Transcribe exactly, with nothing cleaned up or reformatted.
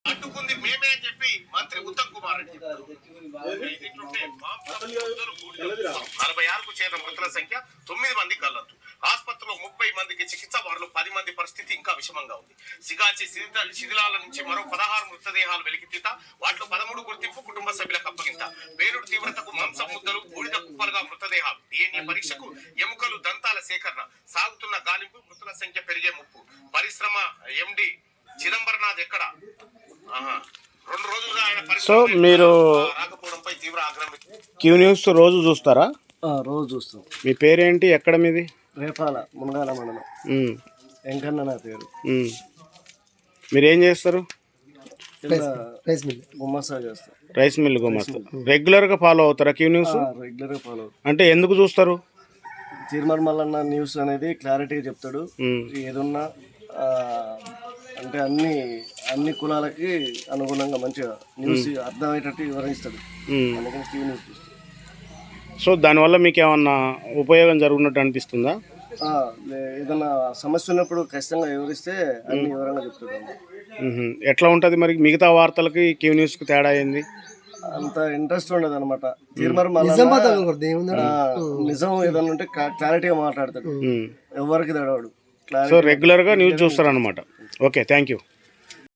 అడ్డుకుంది మేమే అని చెప్పి మంత్రి ఉత్తమ్ కుమార్ రెడ్డి నలభై ఆరుకు చేరిన మృతుల సంఖ్య తొమ్మిది మంది గల్లంతు. ఆసుపత్రిలో ముప్పై మందికి చికిత్స, వారిలో పది మంది పరిస్థితి ఇంకా విషమంగా ఉంది. సిగాచి శిథిలాల నుంచి మరో పదహారు మృతదేహాలు వెలికితీత, వాటిలో పదమూడు గుర్తింపు, కుటుంబ సభ్యులకు అప్పగింత. పేలుడు తీవ్రతకు మాంసం ముద్దలు, బూడిద కుప్పలుగా మృతదేహాలు, డిఎన్ఏ పరీక్షకు ఎముకలు, దంతాల సేకరణ, సాగుతున్న గాలింపు, మృతుల సంఖ్య పెరిగే ముప్పు. పరిశ్రమ ఎండి చిదంబరనాథ్ ఎక్కడ? రెండు రోజులుగా ఆయన సో మీరు రాకపోవడంపై తీవ్ర ఆగ్రహం. క్యూ న్యూస్ రోజు చూస్తారా? రోజు చూస్తాం. మీ పేరేంటి, ఎక్కడ మీది? రేపాల మునగాల మండలం, వెంకన్న నా పేరు. మీరు ఏం చేస్తారు? రైస్ మిల్ గుమ్మస్తా చేస్తాం. రైస్ మిల్ గుమ్మస్తా. రెగ్యులర్గా ఫాలో అవుతారా క్యూ న్యూస్? రెగ్యులర్గా ఫాలో అవుతాం. అంటే ఎందుకు చూస్తారు? చీర్మర్ మల్లన్న న్యూస్ అనేది క్లారిటీగా చెప్తాడు. ఏదున్నా అంటే అన్ని అన్ని కులాలకి అనుగుణంగా మంచిగా న్యూస్ అర్థమయ్యేటట్టు వివరిస్తాడు. అందుకని క్యూ న్యూస్ చూస్తాడు. సో దానివల్ల మీకు ఏమన్నా ఉపయోగం జరుగుతున్నట్టు అనిపిస్తుందా? ఏదన్నా సమస్య ఉన్నప్పుడు ఖచ్చితంగా వివరిస్తే అన్ని వివరంగా చెప్తాడు. ఎట్లా ఉంటుంది మరి మిగతా వార్తలకి క్యూ న్యూస్కి తేడా ఏంది? అంత ఇంట్రెస్ట్ ఉండదు అనమాట. చీర్మర్ మల్లన్న నిజం ఏదన్నా ఉంటే క్లారిటీగా మాట్లాడతాడు, ఎవరికి తడవాడు. సో రెగ్యులర్గా న్యూస్ చూస్తారు అనమాట. Okay, thank you.